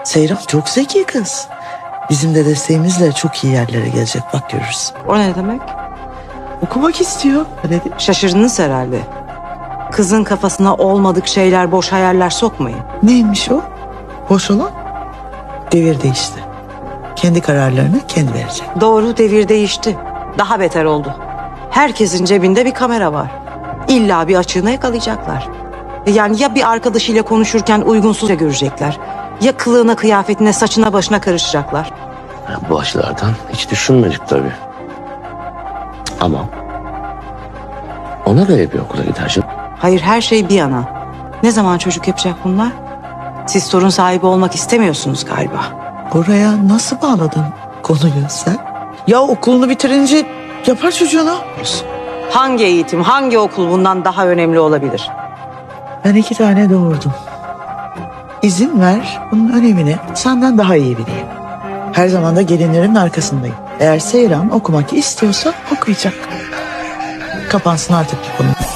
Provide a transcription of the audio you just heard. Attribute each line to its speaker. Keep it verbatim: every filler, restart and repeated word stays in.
Speaker 1: Seyran çok zeki kız. Bizim de desteğimizle çok iyi yerlere gelecek, bak görürsün.
Speaker 2: O ne demek?
Speaker 1: Okumak istiyor. Öyle değil mi?
Speaker 2: Şaşırdınız herhalde. Kızın kafasına olmadık şeyler, boş hayaller sokmayın.
Speaker 1: Neymiş o? Boş olan? Devir değişti. Kendi kararlarını kendi verecek.
Speaker 2: Doğru, devir değişti. Daha beter oldu. Herkesin cebinde bir kamera var. İlla bir açığını yakalayacaklar. Yani ya bir arkadaşıyla konuşurken uygunsuzca görecekler. Ya kılığına, kıyafetine, saçına, başına karışacaklar.
Speaker 3: Ya bu açılardan hiç düşünmedik tabii. Ama ona göre bir okula gider canım.
Speaker 2: Hayır, her şey bir yana. Ne zaman çocuk yapacak bunlar? Siz torun sahibi olmak istemiyorsunuz galiba.
Speaker 1: Buraya nasıl bağladın konuyu sen? Ya okulunu bitirince yapar çocuğuna.
Speaker 2: Hangi eğitim, hangi okul bundan daha önemli olabilir?
Speaker 1: Ben iki tane doğurdum. İzin ver, bunun önemini senden daha iyi bileyim. Her zaman da gelinlerin arkasındayım. Eğer Seyran okumak istiyorsa okuyacak. Kapansın artık bu konu.